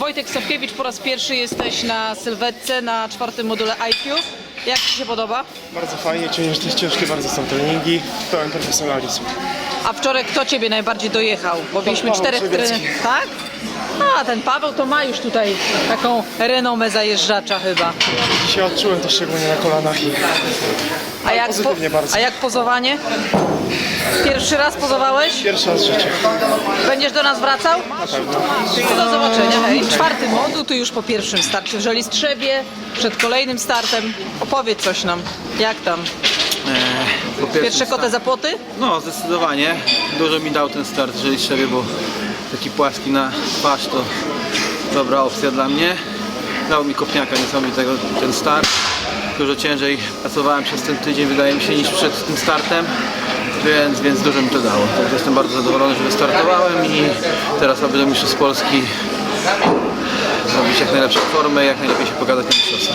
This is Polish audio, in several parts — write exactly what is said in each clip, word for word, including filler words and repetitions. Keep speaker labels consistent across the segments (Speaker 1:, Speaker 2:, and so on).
Speaker 1: Wojtek Sapkiewicz, po raz pierwszy jesteś na sylwetce, na czwartym module I Q. Jak Ci się podoba?
Speaker 2: Bardzo fajnie, ciężkie, ciężkie bardzo są treningi, pełen profesjonalizm.
Speaker 1: A wczoraj kto Ciebie najbardziej dojechał? Bo mieliśmy
Speaker 2: Paweł
Speaker 1: czterech
Speaker 2: Trzebiecki.
Speaker 1: trenerów. Tak? A, ten Paweł to ma już tutaj taką renomę zajeżdżacza chyba.
Speaker 2: Dzisiaj odczułem to szczególnie na kolanach i
Speaker 1: A jak, po,
Speaker 2: pozytywnie bardzo.
Speaker 1: a jak pozowanie? Pierwszy raz pozowałeś?
Speaker 2: Pierwszy raz w życiu.
Speaker 1: Będziesz do nas wracał?
Speaker 2: Na pewno.
Speaker 1: Do zobaczenia, hej. Czwarty moduł, tu już po pierwszym starcie w Żelistrzewie, przed kolejnym startem. Opowiedz coś nam, jak tam?
Speaker 3: Po
Speaker 1: Pierwsze
Speaker 3: pierwszym
Speaker 1: kotę
Speaker 3: start-
Speaker 1: za płoty?
Speaker 3: No, zdecydowanie. Dużo mi dał ten start w Żeliszewie, bo taki płaski na twarz to dobra opcja dla mnie. Dał mi kopniaka niesamowitego ten start. Dużo ciężej pracowałem przez ten tydzień, wydaje mi się, niż przed tym startem. Więc, więc dużo mi to dało. Także jestem bardzo zadowolony, że wystartowałem i teraz aby do Mistrzostw Polski zrobić jak najlepszą formę i jak najlepiej się pokazać na mistrzostwach.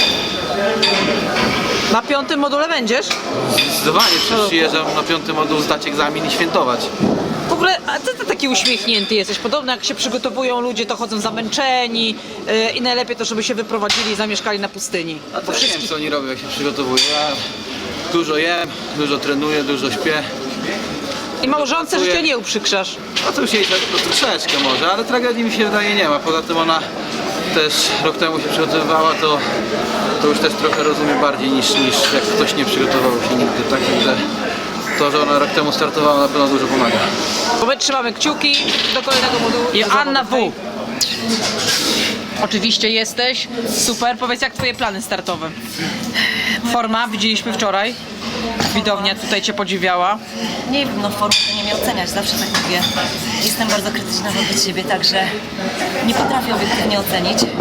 Speaker 1: Na piątym module będziesz?
Speaker 3: Zdecydowanie przecież przyjeżdżam na piąty moduł zdać egzamin i świętować.
Speaker 1: W ogóle, a co ty taki uśmiechnięty jesteś? Podobno jak się przygotowują ludzie, to chodzą zamęczeni yy, i najlepiej to, żeby się wyprowadzili i zamieszkali na pustyni.
Speaker 3: A to nie wiem, co oni robią, jak się przygotowują. Ja dużo jem, dużo trenuję, dużo śpię.
Speaker 1: I małżonce życia nie uprzykrzasz.
Speaker 3: A to już jej to troszeczkę może, ale tragedii mi się wydaje nie ma. Poza tym ona też rok temu się przygotowywała, to, to już też trochę rozumie bardziej niż, niż jak ktoś nie przygotował się nigdy. Tak, że to, że ona rok temu startowała, na pewno dużo pomaga.
Speaker 1: Bo my trzymamy kciuki do kolejnego modułu. I Anna W. Oczywiście jesteś. Super. Powiedz, jak twoje plany startowe? Forma, widzieliśmy wczoraj. Widownia tutaj cię podziwiała.
Speaker 4: Nie wiem, no formy to nie mnie oceniać, zawsze tak mówię. Jestem bardzo krytyczna wobec siebie, także nie potrafię obiektywnie ocenić. Yy,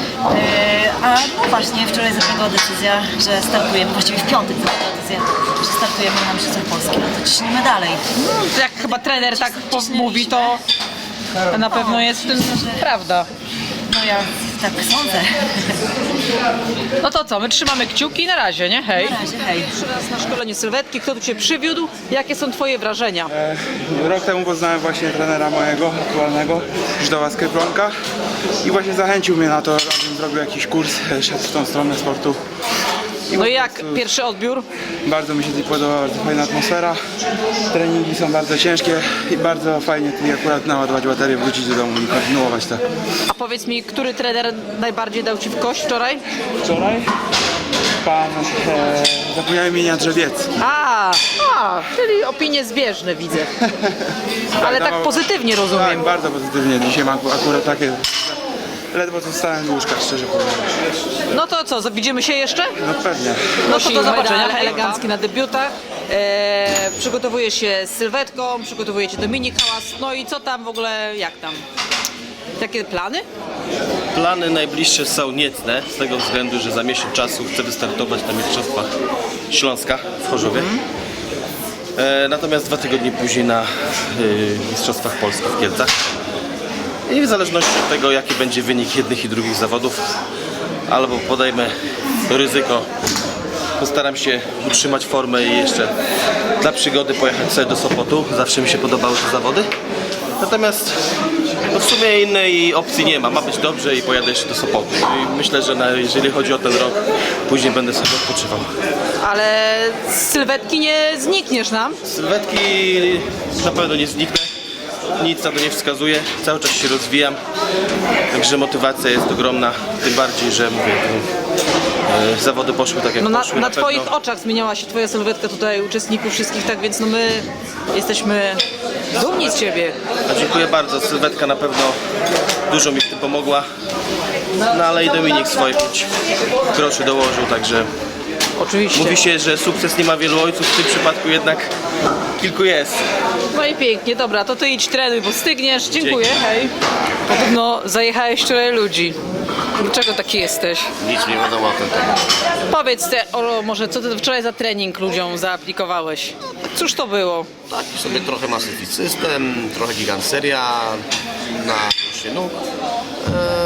Speaker 4: a no właśnie, wczoraj zapadła decyzja, że startujemy, właściwie w piątek zapadła decyzja, że startujemy na Mistrzostwach Polski, no to ciśniemy dalej.
Speaker 1: No, jak chyba trener tak po- mówi, to na pewno jest w tym prawda.
Speaker 4: No ja tak sądzę.
Speaker 1: No to co, my trzymamy kciuki na razie, nie? Hej.
Speaker 4: Na razie, hej.
Speaker 1: Pierwszy raz na szkoleniu sylwetki, kto tu cię przywiódł? Jakie są twoje wrażenia?
Speaker 2: E, Rok temu poznałem właśnie trenera mojego aktualnego, Żdoła Skryplonka i właśnie zachęcił mnie na to, żebym zrobił jakiś kurs, e, szedł w tą stronę sportu. I
Speaker 1: No
Speaker 2: po
Speaker 1: i jak
Speaker 2: prostu
Speaker 1: pierwszy odbiór?
Speaker 2: Bardzo mi się tutaj podoba, bardzo fajna atmosfera. Treningi są bardzo ciężkie i bardzo fajnie tutaj akurat naładować baterię, wrócić do domu i kontynuować to.
Speaker 1: A powiedz mi, który trener najbardziej dał ci w kość wczoraj?
Speaker 2: Wczoraj pan, e, zapomniałem imienia, Drzewiecki.
Speaker 1: A, a, czyli opinie zbieżne widzę. Ale tak
Speaker 2: Dawał-
Speaker 1: pozytywnie
Speaker 2: Tak,
Speaker 1: rozumiem.
Speaker 2: bardzo pozytywnie. Dzisiaj mam akurat takie... Ledwo co wstałem z łóżka, szczerze powiem.
Speaker 1: No to co, widzimy się jeszcze?
Speaker 2: No pewnie.
Speaker 1: No to do zobaczenia. Elegancki na debiutach. E, przygotowujesz się z sylwetką, przygotowujecie Dominik Hałas. No i co tam w ogóle, jak tam? Jakie plany?
Speaker 5: Plany najbliższe są niecne, z tego względu, że za miesiąc czasu chcę wystartować na Mistrzostwach Śląska w Chorzowie. E, natomiast dwa tygodnie później na y, Mistrzostwach Polski w Kielcach. I w zależności od tego, jaki będzie wynik jednych i drugich zawodów, albo podejmę ryzyko, postaram się utrzymać formę i jeszcze dla przygody pojechać sobie do Sopotu. Zawsze mi się podobały te zawody. Natomiast no w sumie innej opcji nie ma. Ma być dobrze i pojadę jeszcze do Sopotu. I myślę, że na, jeżeli chodzi o ten rok, później będę sobie odpoczywał.
Speaker 1: Ale z sylwetki nie znikniesz nam.
Speaker 5: Z sylwetki na pewno nie zniknę. Nic na to nie wskazuje. Cały czas się rozwijam. Także motywacja jest ogromna. Tym bardziej, że mówię, e, zawody poszły tak jak
Speaker 1: No na,
Speaker 5: poszły.
Speaker 1: na
Speaker 5: pewno.
Speaker 1: twoich oczach zmieniała się twoja sylwetka tutaj, uczestników wszystkich, tak więc no my jesteśmy dumni z ciebie.
Speaker 5: A dziękuję bardzo. Sylwetka na pewno dużo mi w tym pomogła. No ale i Dominik swoje pięć groszy dołożył, także
Speaker 1: Oczywiście.
Speaker 5: mówi się, że sukces nie ma wielu ojców, w tym przypadku jednak kilku jest.
Speaker 1: No i pięknie, dobra, to ty idź trenuj, bo stygniesz. Dziękuję, hej. Podobno zajechałeś wczoraj ludzi. Dlaczego taki jesteś?
Speaker 6: Nic nie wiadomo o tym temat.
Speaker 1: Powiedz te, o, może co ty wczoraj za trening ludziom zaaplikowałeś? Cóż to było?
Speaker 6: Taki sobie trochę Massive System, trochę Gigant Seria na dłuższy nóg. Eee,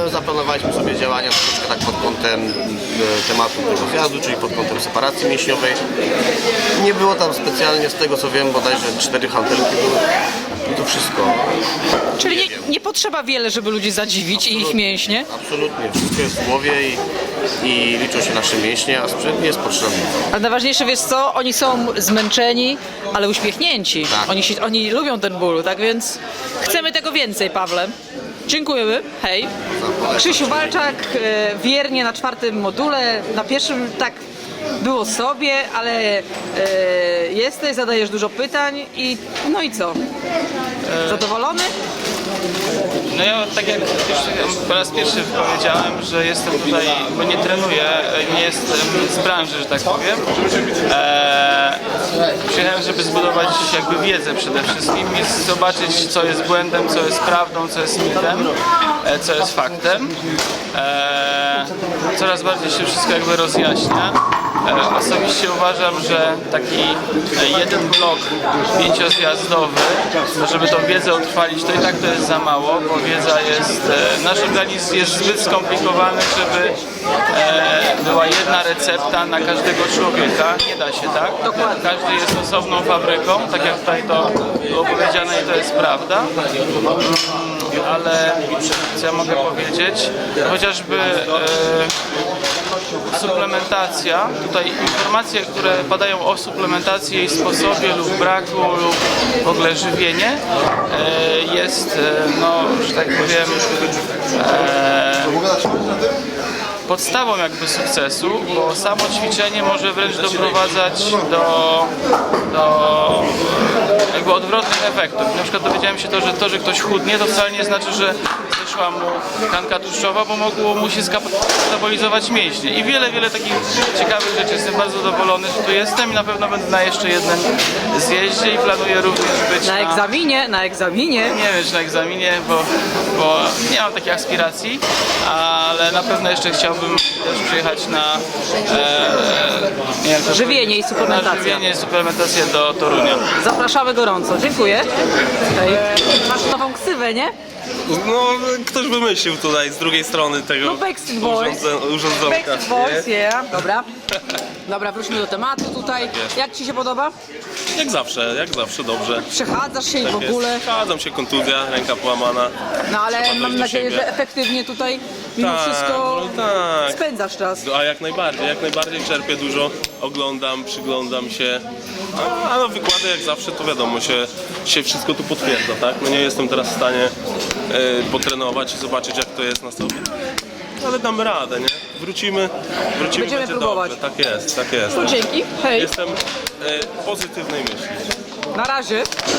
Speaker 6: e, zaplanowaliśmy sobie działania troszeczkę tak pod kątem e, tematu tego zjazdu, czyli pod kątem separacji mięśniowej. Nie było tam specjalnie, z tego co wiem, bodajże cztery hantelki były. I to wszystko.
Speaker 1: Czyli nie, nie potrzeba wiele, żeby ludzi zadziwić i ich mięśnie.
Speaker 6: Absolutnie. Wszystko jest w głowie i, i liczą się nasze mięśnie, a sprzęt nie jest potrzebny.
Speaker 1: Ale najważniejsze, wiesz co, oni są zmęczeni, ale uśmiechnięci.
Speaker 6: Tak.
Speaker 1: Oni, się, oni lubią ten ból, tak więc chcemy tego więcej, Pawle. Dziękujemy, hej. Krzysiu Walczak, e, wiernie na czwartym module, na pierwszym tak było sobie, ale e, jesteś, zadajesz dużo pytań i no i co? Zadowolony?
Speaker 7: No ja tak jak już po raz pierwszy powiedziałem, że jestem tutaj, bo nie trenuję, nie jestem z branży, że tak powiem. Eee, przyjechałem, żeby zbudować jakby wiedzę przede wszystkim i zobaczyć, co jest błędem, co jest prawdą, co jest mitem, e, co jest faktem. Eee, coraz bardziej się wszystko jakby rozjaśnia. E, osobiście uważam, że taki e, jeden blok pięciozjazdowy, no żeby tą wiedzę utrwalić, to i tak to jest za mało, bo wiedza jest, e, nasz organizm jest zbyt skomplikowany, żeby e, była jedna recepta na każdego człowieka. Nie da się, tak?
Speaker 1: Dokładnie.
Speaker 7: Każdy jest osobną fabryką, tak jak tutaj to było powiedziane i to jest prawda. Ale co ja mogę powiedzieć? Chociażby e, suplementacja, tutaj informacje, które padają o suplementacji, jej sposobie lub braku lub w ogóle żywienie e, jest, e, no, że tak powiem, e, podstawą jakby sukcesu, bo samo ćwiczenie może wręcz doprowadzać do, do jakby odwrotnych efektów. Na przykład dowiedziałem się to, że to, że ktoś chudnie, to wcale nie znaczy, że zeszła mu tkanka tłuszczowa, bo mogło mu się skabolizować mięśnie. I wiele, wiele takich ciekawych rzeczy. Jestem bardzo zadowolony, że tu jestem i na pewno będę na jeszcze jednym zjeździe i planuję również być
Speaker 1: Na egzaminie, na egzaminie.
Speaker 7: nie wiem, czy na egzaminie, bo, bo nie mam takich aspiracji, ale na pewno jeszcze chciałbym też przyjechać na e, nie wiem, jak to
Speaker 1: Żywienie i
Speaker 7: powiedzieć,
Speaker 1: suplementacja.
Speaker 7: Na żywienie i suplementację do Torunia.
Speaker 1: Zapraszamy gorąco, dziękuję. Hej. Masz nową ksywę, nie?
Speaker 8: No, ktoś wymyślił tutaj z drugiej strony tego
Speaker 1: No Backstreet Boys.
Speaker 8: urządze- urządzonka.
Speaker 1: Backstreet Boys, yeah. Dobra. Dobra, wróćmy do tematu tutaj. Jak Ci się podoba?
Speaker 8: Jak zawsze, jak zawsze dobrze.
Speaker 1: Przechadzasz się i w
Speaker 8: Tak
Speaker 1: ogóle.
Speaker 8: jest. Zgadzam się, kontuzja, ręka połamana.
Speaker 1: No ale
Speaker 8: Trzeba
Speaker 1: mam
Speaker 8: dojść do
Speaker 1: nadzieję,
Speaker 8: siebie.
Speaker 1: że efektywnie tutaj mimo
Speaker 8: Tak,
Speaker 1: wszystko
Speaker 8: no tak.
Speaker 1: spędzasz czas.
Speaker 8: A jak najbardziej, jak najbardziej czerpię dużo, oglądam, przyglądam się. A, a no wykłady jak zawsze to wiadomo, się, się wszystko tu potwierdza, tak? No nie jestem teraz w stanie e, potrenować i zobaczyć jak to jest na sobie. Ale damy radę, nie? Wrócimy, wrócimy,
Speaker 1: Będziemy
Speaker 8: będzie
Speaker 1: próbować.
Speaker 8: dobrze. Tak jest, tak jest.
Speaker 1: No dzięki, hej.
Speaker 8: Jestem e, pozytywnej myśli.
Speaker 1: Na razie.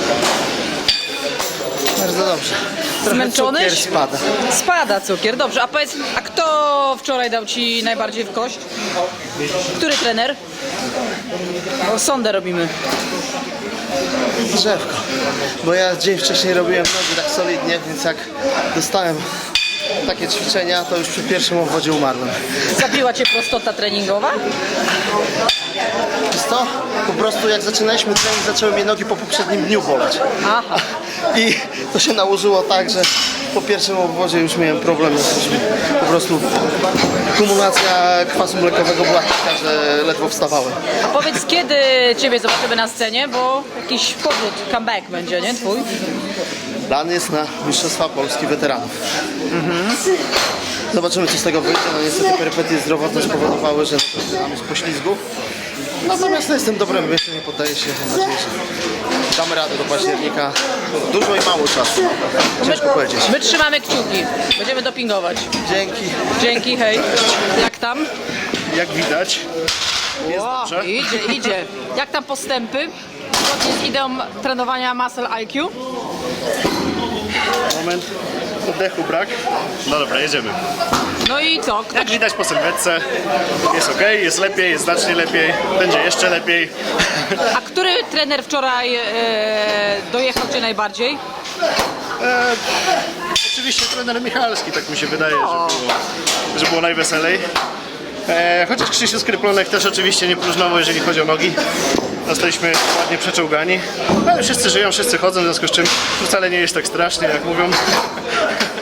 Speaker 9: Bardzo dobrze.
Speaker 1: Zmęczony?
Speaker 9: Cukier spada.
Speaker 1: Spada cukier, dobrze. A powiedz, a kto wczoraj dał Ci najbardziej w kość? Który trener? O, sondę robimy.
Speaker 9: Drzewko. Bo ja dzień wcześniej robiłem nogi tak solidnie, więc jak dostałem takie ćwiczenia, to już przy pierwszym obwodzie umarłem.
Speaker 1: Zabiła Cię prostota treningowa?
Speaker 9: Wiesz co? Po prostu jak zaczynaliśmy trening, zaczęły mnie nogi po poprzednim dniu boleć.
Speaker 1: Aha.
Speaker 9: I to się nałożyło tak, że po pierwszym obwodzie już miałem problem. Po prostu kumulacja kwasu mlekowego była taka, że ledwo wstawałem.
Speaker 1: A powiedz, kiedy Ciebie zobaczymy na scenie, bo jakiś powrót, comeback będzie, nie? Twój?
Speaker 9: Plan jest na Mistrzostwa Polski Weteranów. Zobaczymy, co z tego wyjdzie. No niestety perypetie zdrowotne spowodowały, że zaczynamy z poślizgu. Natomiast no, jestem dobrym myślą, nie poddaję się. Mam nadzieję, że damy radę do października. Dużo i mało czasu. Ciężko powiedzieć.
Speaker 1: My trzymamy kciuki. Będziemy dopingować.
Speaker 9: Dzięki.
Speaker 1: Dzięki, hej. Jak tam?
Speaker 9: Jak widać,
Speaker 1: O, idzie, idzie. Jak tam postępy? Zgodnie z ideą trenowania Muscle I Q?
Speaker 10: Moment, oddechu brak. No dobra, jedziemy.
Speaker 1: No i co? Kto
Speaker 10: Jak widać po sylwetce, jest ok, jest lepiej, jest znacznie lepiej, będzie jeszcze lepiej.
Speaker 1: A który trener wczoraj e, dojechał Cię najbardziej?
Speaker 10: E, oczywiście trener Michalski, tak mi się wydaje, że było, że było najweselej. E, chociaż Krzysiu Skryplonek też oczywiście nie próżnował, jeżeli chodzi o nogi. Zostaliśmy ładnie przeczołgani, ale wszyscy żyją, wszyscy chodzą, w związku z czym to wcale nie jest tak strasznie, jak mówią.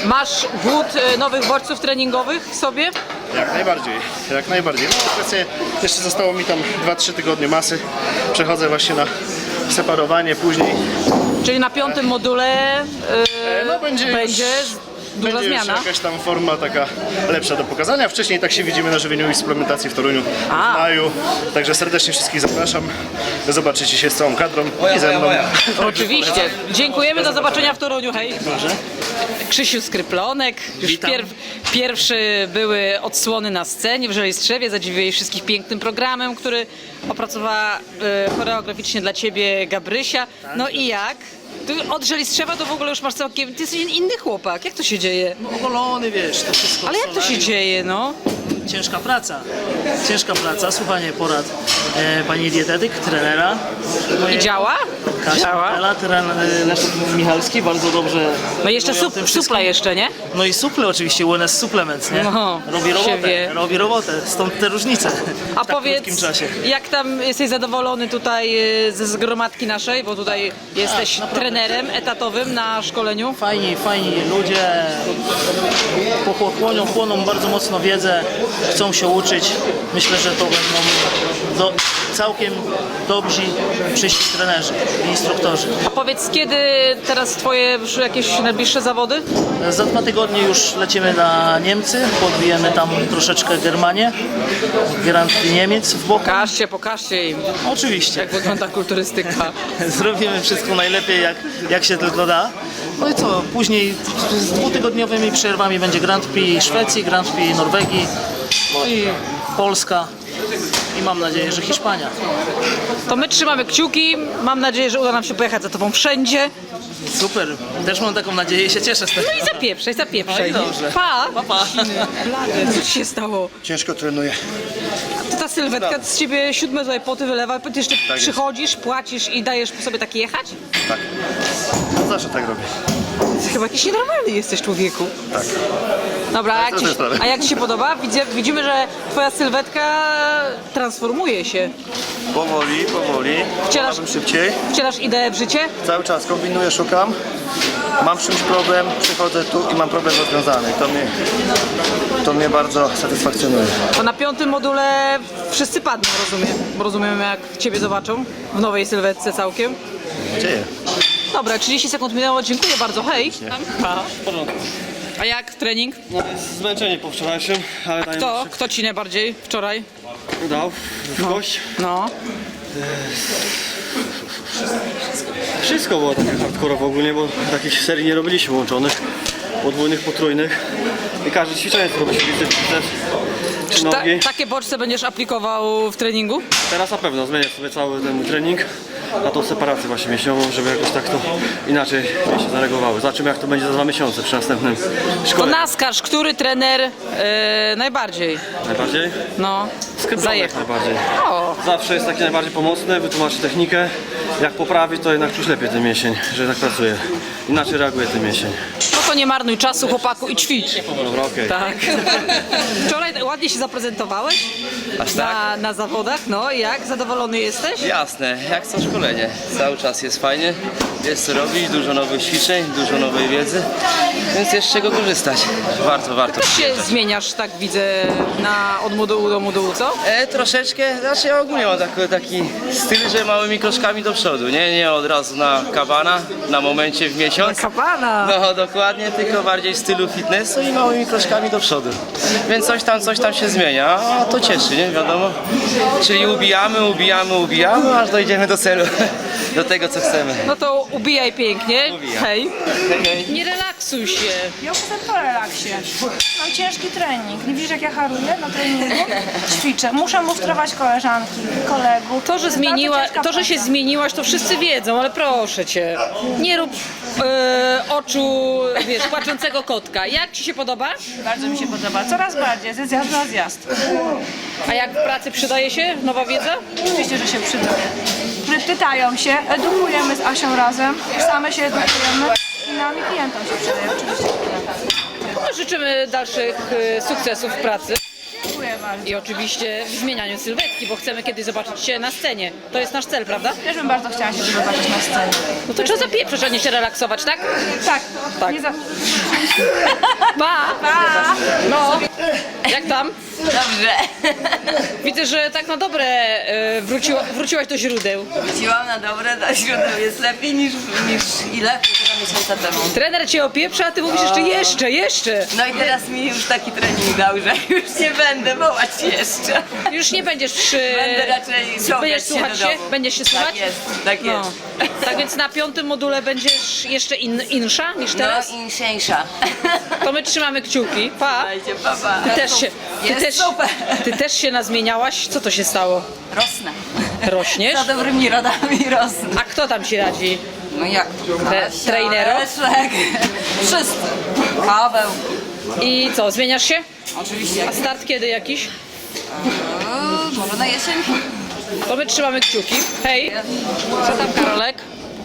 Speaker 1: Masz głód e, nowych bodźców treningowych w sobie?
Speaker 10: Jak najbardziej, jak najbardziej. No obecnie jeszcze zostało mi tam dwa trzy tygodnie masy. Przechodzę właśnie na separowanie później.
Speaker 1: Czyli na piątym module e,
Speaker 10: No będzie już-
Speaker 1: będzie duża
Speaker 10: Będzie
Speaker 1: zmiana.
Speaker 10: już jakaś tam forma taka lepsza do pokazania. Wcześniej tak się widzimy na żywieniu i suplementacji w Toruniu
Speaker 1: A.
Speaker 10: w maju. Także serdecznie wszystkich zapraszam. Zobaczycie się z całą kadrą i ze mną.
Speaker 1: Oczywiście. Dziękujemy, do zobaczenia w Toruniu, hej. Krzysiu Skryplonek, już pierw, pierwszy były odsłony na scenie w Żelejstrzewie, zadziwiłeś wszystkich pięknym programem, który opracowała e, choreograficznie dla Ciebie Gabrysia. No i jak? Ty od Żelistrzewa to w ogóle już masz całkiem, ty jesteś inny chłopak, jak to się dzieje?
Speaker 11: Ogolony, wiesz, to wszystko.
Speaker 1: Ale jak to się
Speaker 11: solarium.
Speaker 1: dzieje, no?
Speaker 11: Ciężka praca. Ciężka praca, słuchanie porad e, pani dietetyk, trenera.
Speaker 1: I działa?
Speaker 11: Kasia
Speaker 1: Działa.
Speaker 11: Kapela, trener e, Leszek Michalski, bardzo dobrze.
Speaker 1: No i jeszcze
Speaker 11: mówią o
Speaker 1: sup,
Speaker 11: tym wszystkim.
Speaker 1: supla jeszcze, nie?
Speaker 11: No i suple oczywiście, U N S Supplements, nie?
Speaker 1: No,
Speaker 11: robi
Speaker 1: się
Speaker 11: robotę,
Speaker 1: wie.
Speaker 11: robi robotę, stąd te różnice
Speaker 1: A
Speaker 11: w tak
Speaker 1: powiedz,
Speaker 11: krótkim czasie.
Speaker 1: jak tam jesteś zadowolony tutaj e, ze zgromadki naszej, bo tutaj jesteś trenerem etatowym na szkoleniu?
Speaker 11: Fajni, fajni ludzie, pochłonią, chłoną bardzo mocno wiedzę, chcą się uczyć. Myślę, że to będą do, całkiem dobrzy przyszli trenerzy i instruktorzy.
Speaker 1: A powiedz, kiedy teraz twoje już jakieś najbliższe zawody?
Speaker 11: Za dwa tygodnie już lecimy na Niemcy, podbijemy tam troszeczkę Germanię, Grand Prix Niemiec w boku.
Speaker 1: Pokażcie, pokażcie im,
Speaker 11: Oczywiście.
Speaker 1: jak wygląda kulturystyka.
Speaker 11: Zrobimy wszystko najlepiej, jak, jak się tylko da. No i co, później z dwutygodniowymi przerwami będzie Grand Prix Szwecji, Grand Prix Norwegii, no i Polska i mam nadzieję, że Hiszpania.
Speaker 1: To my trzymamy kciuki, mam nadzieję, że uda nam się pojechać za tobą wszędzie.
Speaker 11: Super, też mam taką nadzieję i się cieszę z tego.
Speaker 1: No i zapieprzaj, zapieprzaj.
Speaker 11: No i dobrze.
Speaker 1: Pa!
Speaker 11: Pa, pa.
Speaker 1: Blady, co ci się stało?
Speaker 10: Ciężko trenuję.
Speaker 1: To ta sylwetka z ciebie siódme tutaj poty wylewa, ty jeszcze przychodzisz, płacisz i dajesz sobie tak jechać?
Speaker 10: Tak. Zawsze tak robię.
Speaker 1: Ty chyba jakiś nienormalny jesteś, człowieku. Tak. Dobra, a jak, ci, a jak ci się podoba? Widzimy, widzimy, że twoja sylwetka transformuje się.
Speaker 10: Powoli, powoli.
Speaker 1: Wcielasz,
Speaker 10: Chciałabym szybciej.
Speaker 1: wcielasz ideę w życie?
Speaker 10: Cały czas kombinuję, szukam. Mam z czymś problem, przychodzę tu i mam problem rozwiązany. To mnie, to mnie bardzo satysfakcjonuje.
Speaker 1: Bo na piątym module wszyscy padną, rozumiem. Bo rozumiem, jak ciebie zobaczą w nowej sylwetce całkiem.
Speaker 10: Dzieje.
Speaker 1: Dobra, trzydzieści sekund minęło, dziękuję bardzo, hej. Pa. A jak trening?
Speaker 3: Zmęczenie po wczorajszym, ale daję
Speaker 1: Kto? Kto ci najbardziej wczoraj?
Speaker 3: dał w kość.
Speaker 1: No.
Speaker 3: Wszystko było takie hardkorowo ogólnie, bo takich serii nie robiliśmy łączonych, podwójnych, potrójnych. I każde ćwiczenie to robi się biceps, biceps czy
Speaker 1: Czy ta,
Speaker 3: nogi.
Speaker 1: takie bodźce będziesz aplikował w treningu?
Speaker 3: Teraz na pewno zmienię sobie cały ten mój trening na tą separację właśnie mięśniową, żeby jakoś tak to inaczej się zareagowały. Zobaczymy, jak to będzie za dwa miesiące przy następnym
Speaker 1: To
Speaker 3: szkoleniu.
Speaker 1: naskaż, który trener e, najbardziej,
Speaker 3: Najbardziej?
Speaker 1: no,
Speaker 3: Skryplonek
Speaker 1: zajechał.
Speaker 3: najbardziej.
Speaker 1: O,
Speaker 3: Zawsze jest taki najbardziej pomocny, wytłumaczy technikę. Jak poprawi, to jednak czuć lepiej ten mięsień, że tak pracuje. Inaczej reaguje ten mięsień.
Speaker 1: no to nie marnuj czasu, chłopaku, i ćwicz.
Speaker 3: Dobra, okej.
Speaker 1: Tak. Wczoraj ładnie się zaprezentowałeś na, na zawodach, no i jak? Zadowolony jesteś?
Speaker 12: Jasne, jak co szkolenie. Cały czas jest fajnie, jest co robić, dużo nowych ćwiczeń, dużo nowej wiedzy, więc jest z czego korzystać. Warto, warto.
Speaker 1: Też się zmieniasz, tak widzę, na, od modułu do modułu, co?
Speaker 12: E, troszeczkę, znaczy ja ogólnie mam taki, taki styl, że małymi kroczkami do przodu, nie? Nie od razu na kabana, na momencie w miesiąc.
Speaker 1: Kapana!
Speaker 12: No dokładnie, tylko bardziej w stylu fitnessu i małymi kroczkami do przodu. Więc coś tam, coś tam się zmienia, a to cieszy, nie? Wiadomo. Czyli ubijamy, ubijamy, ubijamy, aż dojdziemy do celu, do tego co chcemy.
Speaker 1: No to ubijaj pięknie,
Speaker 12: Ubijam.
Speaker 1: hej.
Speaker 12: Hej, hej.
Speaker 1: Nie relaksuj się.
Speaker 13: Ja już jestem po relaksie. Mam ciężki trening. Nie widzisz, jak ja haruję na treningu? Ćwiczę. Muszę mustrować koleżanki, kolegów.
Speaker 1: To, że,
Speaker 13: jest
Speaker 1: zmieniła,
Speaker 13: bardzo ciężka
Speaker 1: to, że się
Speaker 13: praca.
Speaker 1: zmieniłaś, to wszyscy wiedzą, ale proszę cię, nie rób e, oczu, wiesz, płaczącego kotka. Jak ci się podoba?
Speaker 13: Bardzo mi się podoba. Coraz bardziej. Ze zjazdu na zjazd.
Speaker 1: A jak w pracy przydaje się nowa wiedza?
Speaker 13: Oczywiście, że się przydaje. Pytają się, edukujemy z Asią razem, same się edukujemy i nam i klientom się przydaje. Oczywiście.
Speaker 1: No, życzymy dalszych e, sukcesów w pracy.
Speaker 13: Dziękuję bardzo.
Speaker 1: I oczywiście w zmienianiu sylwetki, bo chcemy kiedyś zobaczyć Cię na scenie. To jest nasz cel, prawda?
Speaker 13: Też bym bardzo chciała się zobaczyć na scenie.
Speaker 1: No to trzeba zapieprzeć, a nie się relaksować, tak?
Speaker 13: Tak.
Speaker 1: Tak.
Speaker 13: Nie za...
Speaker 1: Pa!
Speaker 4: Pa!
Speaker 1: No, jak tam?
Speaker 4: Dobrze.
Speaker 1: Widzę, że tak na dobre e, wróciła, wróciłaś do źródeł.
Speaker 4: Wróciłam na dobre, na źródeł jest lepiej niż, niż ile? Półtora miesiąca temu.
Speaker 1: Trener cię opieprza, a ty mówisz jeszcze, jeszcze, jeszcze.
Speaker 4: No i teraz mi już taki trening dał, że już nie będę wołać jeszcze.
Speaker 1: Już nie będziesz przy...
Speaker 4: Będę raczej czołgać
Speaker 1: Będziesz
Speaker 4: się
Speaker 1: słuchać
Speaker 4: do
Speaker 1: się?
Speaker 4: domu.
Speaker 1: Będziesz się słuchać?
Speaker 4: Tak jest, tak
Speaker 1: No.
Speaker 4: jest.
Speaker 1: Tak więc na piątym module będziesz jeszcze in, insza niż teraz?
Speaker 4: No inszeńsza.
Speaker 1: To my trzymamy kciuki. Pa!
Speaker 4: Dajcie, papa.
Speaker 1: Ty też się, ty
Speaker 4: Jest
Speaker 1: też,
Speaker 4: super.
Speaker 1: ty też się nazmieniałaś? Co to się stało?
Speaker 4: Rosnę.
Speaker 1: Rośniesz?
Speaker 4: Za dobrymi rodami rosnę.
Speaker 1: A kto tam ci radzi?
Speaker 4: No jak?
Speaker 1: Tre, trenero?
Speaker 4: Leszek. Wszyscy. Paweł.
Speaker 1: I co, zmieniasz się?
Speaker 4: Oczywiście.
Speaker 1: A start kiedy jakiś?
Speaker 4: O, może na jesień?
Speaker 1: To my trzymamy kciuki. Hej! Co tam, Karolek?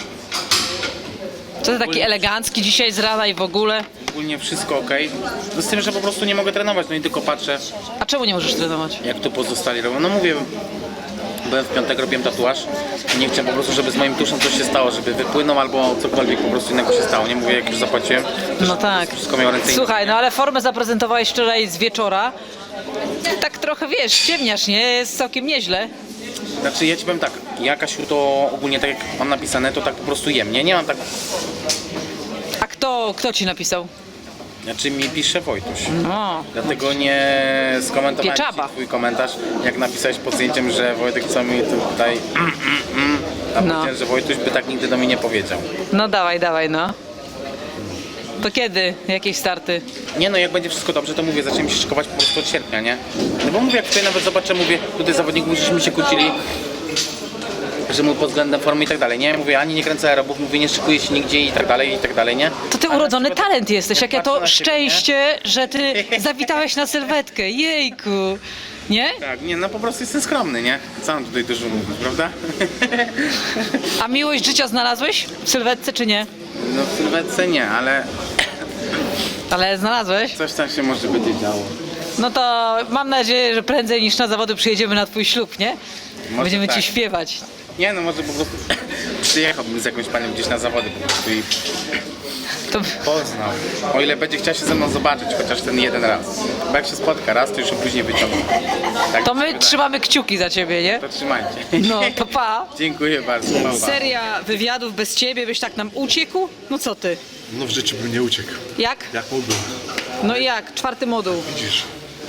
Speaker 1: Co ty taki elegancki dzisiaj z rana i w ogóle?
Speaker 2: Ogólnie wszystko ok. No z tym, że po prostu nie mogę trenować, no i tylko patrzę,
Speaker 1: A czemu nie możesz trenować?
Speaker 2: jak tu pozostali robią. No mówię, byłem w piątek, robiłem tatuaż i nie chciałem po prostu, żeby z moim tuszem coś się stało, żeby wypłynął albo cokolwiek po prostu innego się stało. Nie mówię, jak już zapłaciłem.
Speaker 1: No tak.
Speaker 2: Wszystko miał ręce i
Speaker 1: Słuchaj, no ale formę zaprezentowałeś wczoraj z wieczora. Tak trochę wiesz, ciemniasz, nie? Jest całkiem nieźle.
Speaker 2: Znaczy ja ci powiem tak, ja Kasiu to ogólnie tak jak mam napisane, to tak po prostu jem, nie? Nie mam tak,
Speaker 1: A kto, kto ci napisał?
Speaker 2: znaczy mi pisze Wojtuś.
Speaker 1: No.
Speaker 2: Dlatego nie skomentowałem
Speaker 1: Pieczaba.
Speaker 2: ci twój komentarz, jak napisałeś pod zdjęciem, że Wojtek co mi tutaj mm, mm, mm, a
Speaker 1: No.
Speaker 2: powiedziałem, że Wojtuś by tak nigdy do mnie nie powiedział.
Speaker 1: No dawaj, dawaj, no. To kiedy? Jakieś starty?
Speaker 2: Nie no, jak będzie wszystko dobrze, to mówię, zaczniemy się szykować po prostu od sierpnia, nie? No bo mówię, jak tutaj nawet zobaczę, mówię, tutaj zawodników żeśmy się kłócili, że mu pod względem formy i tak dalej, nie? Mówię, ani nie kręcę aerobów, mówię, nie szykuję się nigdzie i tak dalej, i tak dalej, nie?
Speaker 1: To ty
Speaker 2: Ale
Speaker 1: urodzony
Speaker 2: na przykład-
Speaker 1: talent jesteś, jakie
Speaker 2: patrzę
Speaker 1: to
Speaker 2: na siebie,
Speaker 1: szczęście, że ty zawitałeś na sylwetkę. Jejku. Nie?
Speaker 2: Tak, nie, no po prostu jestem skromny, nie? Co mam tutaj dużo mówić, prawda?
Speaker 1: A miłość życia znalazłeś w sylwetce czy nie?
Speaker 2: No w sylwetce nie, ale
Speaker 1: Ale znalazłeś?
Speaker 2: coś tam się może będzie działo.
Speaker 1: No to mam nadzieję, że prędzej niż na zawody przyjedziemy na twój ślub, nie?
Speaker 2: Może
Speaker 1: Będziemy
Speaker 2: tak.
Speaker 1: ci śpiewać.
Speaker 2: Nie no, może po prostu przyjechałbym z jakąś panią gdzieś na zawody po prostu i
Speaker 1: To...
Speaker 2: poznał. O ile będzie chciał się ze mną zobaczyć, chociaż ten jeden raz. Bo jak się spotka raz, to już ją później wyciągnie. Tak
Speaker 1: To
Speaker 2: mi się
Speaker 1: my
Speaker 2: wydaje.
Speaker 1: trzymamy kciuki za ciebie, nie?
Speaker 2: To trzymajcie.
Speaker 1: No to pa.
Speaker 2: Dziękuję bardzo. Pa, pa.
Speaker 1: Seria wywiadów bez ciebie, byś tak nam uciekł? No co ty?
Speaker 10: No w życiu bym nie uciekł.
Speaker 1: Jak?
Speaker 10: Jak mógłbym?
Speaker 1: No i jak? Czwarty moduł.
Speaker 10: Widzisz.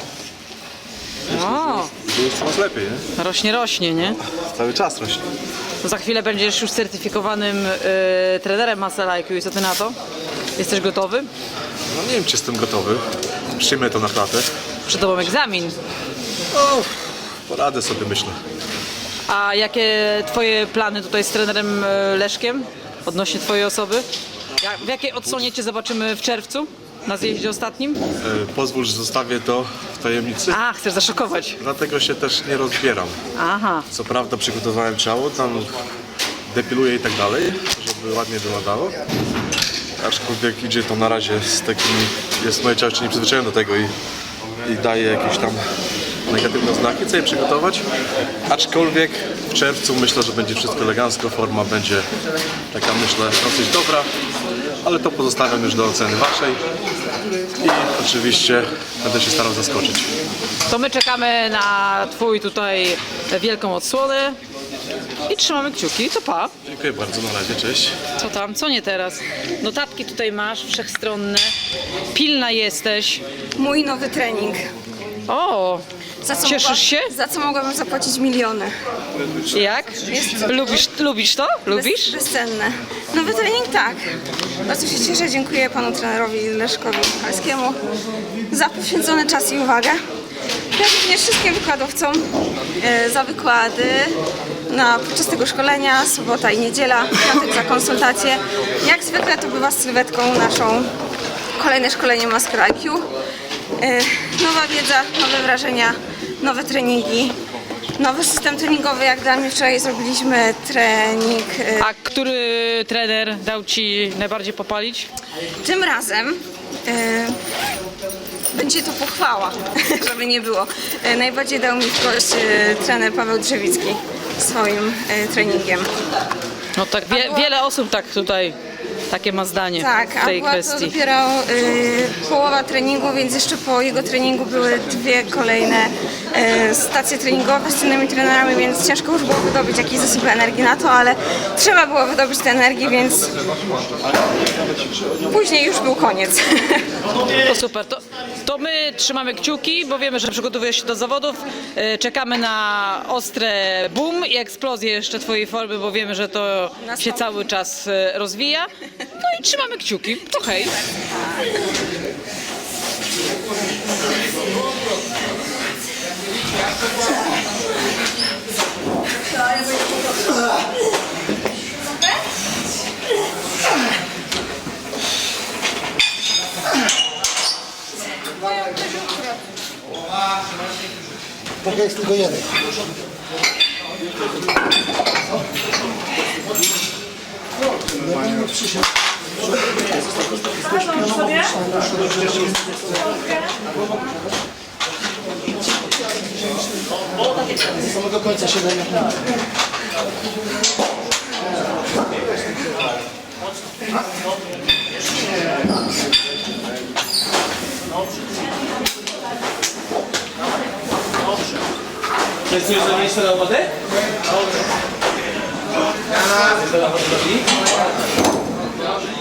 Speaker 1: O,
Speaker 10: Było coraz lepiej, nie?
Speaker 1: rośnie, rośnie, nie?
Speaker 10: Cały czas rośnie.
Speaker 1: To za chwilę będziesz już certyfikowanym y, trenerem Muscle I Q i co ty na to? Jesteś gotowy?
Speaker 10: No nie wiem, czy jestem gotowy. Przyjmę to na klatę.
Speaker 1: Przed tobą egzamin.
Speaker 10: O, poradę sobie, myślę.
Speaker 1: A jakie twoje plany tutaj z trenerem y, Leszkiem odnośnie twojej osoby? Jak, w jakiej odsłonie cię zobaczymy w czerwcu? Na zjeździe ostatnim?
Speaker 10: E, pozwól, że zostawię to w tajemnicy.
Speaker 1: A, chcesz zaszokować.
Speaker 10: Dlatego się też nie rozbieram.
Speaker 1: Aha.
Speaker 10: Co prawda przygotowałem ciało, tam depiluję i tak dalej, żeby ładnie wyglądało. Aczkolwiek idzie to na razie z takimi, jest moje ciało jeszcze nie przyzwyczajone do tego i, i daje jakieś tam negatywne znaki, co je przygotować. Aczkolwiek w czerwcu myślę, że będzie wszystko elegancko, forma będzie taka, myślę, dosyć dobra, ale to pozostawiam już do oceny waszej i oczywiście będę się starał zaskoczyć.
Speaker 1: To my czekamy na twój tutaj wielką odsłonę i trzymamy kciuki. To pa.
Speaker 10: Dziękuję bardzo, na razie, cześć.
Speaker 1: Co tam? Co nie teraz? Notatki tutaj masz, wszechstronne. Pilna jesteś.
Speaker 14: Mój nowy trening.
Speaker 1: O,
Speaker 14: Za co
Speaker 1: cieszysz
Speaker 14: mogła-
Speaker 1: się?
Speaker 14: Za co mogłabym zapłacić miliony.
Speaker 1: Jak? Lubisz, lubisz to? Lubisz?
Speaker 14: Bez, bezcenne. Nowy trening tak. Bardzo się cieszę, dziękuję panu trenerowi Leszkowi Michalskiemu za poświęcony czas i uwagę. Jak również wszystkim wykładowcom e, za wykłady na, podczas tego szkolenia, sobota i niedziela, piątek za konsultacje. Jak zwykle to bywa z sylwetką naszą kolejne szkolenie Master I Q. E, nowa wiedza, nowe wrażenia, nowe treningi, nowy system treningowy, jak dla mnie wczoraj zrobiliśmy trening. e,
Speaker 1: A który trener dał ci najbardziej popalić?
Speaker 14: Tym razem e, będzie to pochwała, żeby nie było. E, najbardziej dał mi w kość e, trener Paweł Drzewicki swoim e, treningiem.
Speaker 1: No tak, wie, wiele osób tak tutaj takie ma zdanie
Speaker 14: Tak,
Speaker 1: w
Speaker 14: a
Speaker 1: tej
Speaker 14: była to
Speaker 1: kwestii.
Speaker 14: dopiero y, połowa treningu, więc jeszcze po jego treningu były dwie kolejne y, stacje treningowe z innymi trenerami, więc ciężko już było wydobyć jakiś zasób energii na to, ale trzeba było wydobyć tę energię, więc później już był koniec.
Speaker 1: To super, to, to my trzymamy kciuki, bo wiemy, że przygotowujesz się do zawodów. E, Czekamy na ostre boom i eksplozję jeszcze twojej formy, bo wiemy, że to się cały czas e, rozwija. No i trzymamy kciuki. To hej.
Speaker 9: Tak jest tylko jeden. Z samego końca siedem minut.
Speaker 2: Chcesz za miejsce na wodę? Dobrze.